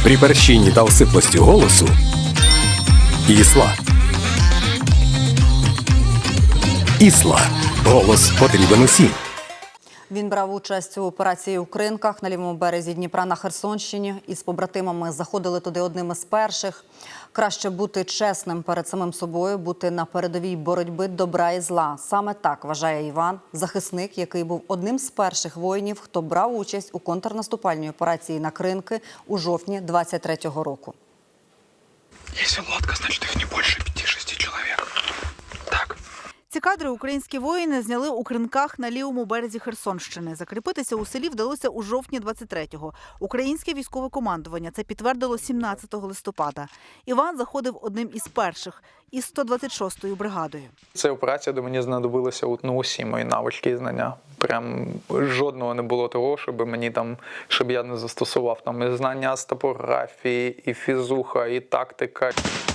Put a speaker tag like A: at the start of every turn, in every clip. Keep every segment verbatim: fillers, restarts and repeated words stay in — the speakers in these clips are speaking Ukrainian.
A: При перщині та осиплості голосу Ісла. Ісла. Голос потрібен усім.
B: Він брав участь у операції у Кринках на лівому березі Дніпра на Херсонщині. Із побратимами заходили туди одними з перших. Краще бути чесним перед самим собою, бути на передовій боротьби добра і зла. Саме так вважає Іван, захисник, який був одним з перших воїнів, хто брав участь у контрнаступальній операції на Кринки у жовтні двадцять третього року.
C: Якщо лодка, значить їх не більше п'яти-шести чоловік. Так.
D: Ці кадри українські воїни зняли у Кринках на лівому березі Херсонщини. Закріпитися у селі вдалося у жовтні двадцять третього. Українське військове командування це підтвердило сімнадцятого листопада. Іван заходив одним із перших із сто двадцять шостою бригадою.
C: Це операція, де мені знадобилися ну, усі мої навички і знання. Прям жодного не було того, щоб мені там, щоб я не застосував там і знання з топографії, і фізуха, і тактика.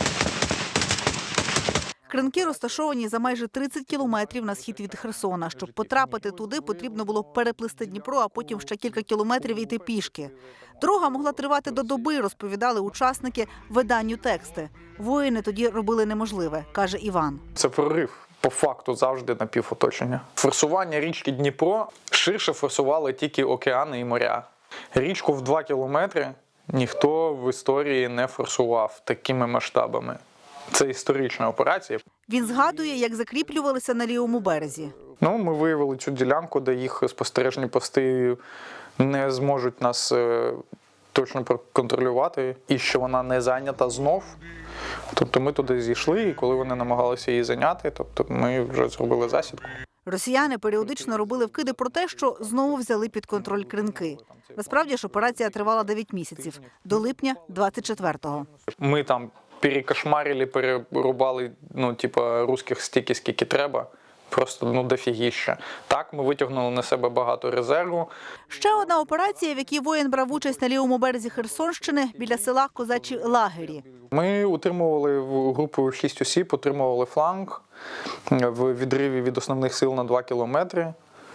D: Кринки розташовані за майже тридцять кілометрів на схід від Херсона. Щоб потрапити туди, потрібно було переплисти Дніпро, а потім ще кілька кілометрів йти пішки. Дорога могла тривати до доби, розповідали учасники виданню тексти. Воїни тоді робили неможливе, каже Іван.
C: Це прорив. По факту завжди напівоточення. Форсування річки Дніпро ширше форсували тільки океани і моря. Річку в два кілометри ніхто в історії не форсував такими масштабами. Це історична операція.
D: Він згадує, як закріплювалися на лівому березі.
C: Ну, ми виявили цю ділянку, де їх спостережні пости не зможуть нас е, точно проконтролювати, і що вона не зайнята знов. Тобто ми туди зійшли, і коли вони намагалися її зайняти, тобто ми вже зробили засідку.
D: Росіяни періодично робили вкиди про те, що знову взяли під контроль Кринки. Насправді ж операція тривала дев'ять місяців, до липня двадцять четвертого.
C: Ми там перекошмарили, перерубали, ну, типа, русських стільки, скільки треба. Просто, ну, дофігіща. Так, ми витягнули на себе багато резерву.
D: Ще одна операція, в якій воїн брав участь на лівому березі Херсонщини, біля села Козачі Лагері.
C: Ми утримували в групу шість осіб, утримували фланг в відриві від основних сил на два кілометри.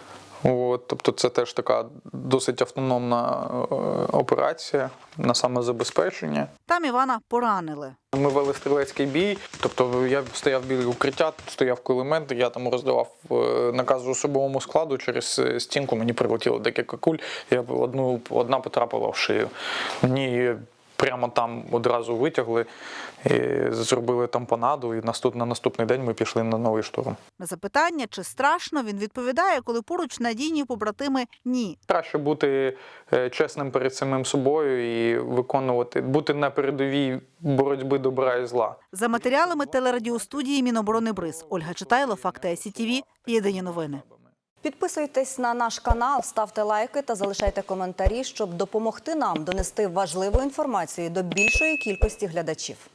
C: От, тобто це теж така досить автономна е, операція на самозабезпечення.
D: Там Івана поранили.
C: Ми вели стрілецький бій, тобто я стояв біля укриття, стояв кулемет, я там роздавав накази особовому складу, через стінку мені прилетіло декілька куль, я одну, одна потрапила в шию. Мені прямо там одразу витягли, і зробили тампонаду, і на наступний день ми пішли на новий штурм.
D: На запитання, чи страшно, він відповідає, коли поруч надійні побратими – ні.
C: Краще бути чесним перед самим собою і виконувати, бути на передовій боротьби добра і зла.
D: За матеріалами телерадіостудії Міноборони БРИЗ. Ольга Читайло, Факти ай сі ті ві, Єдині новини.
B: Підписуйтесь на наш канал, ставте лайки та залишайте коментарі, щоб допомогти нам донести важливу інформацію до більшої кількості глядачів.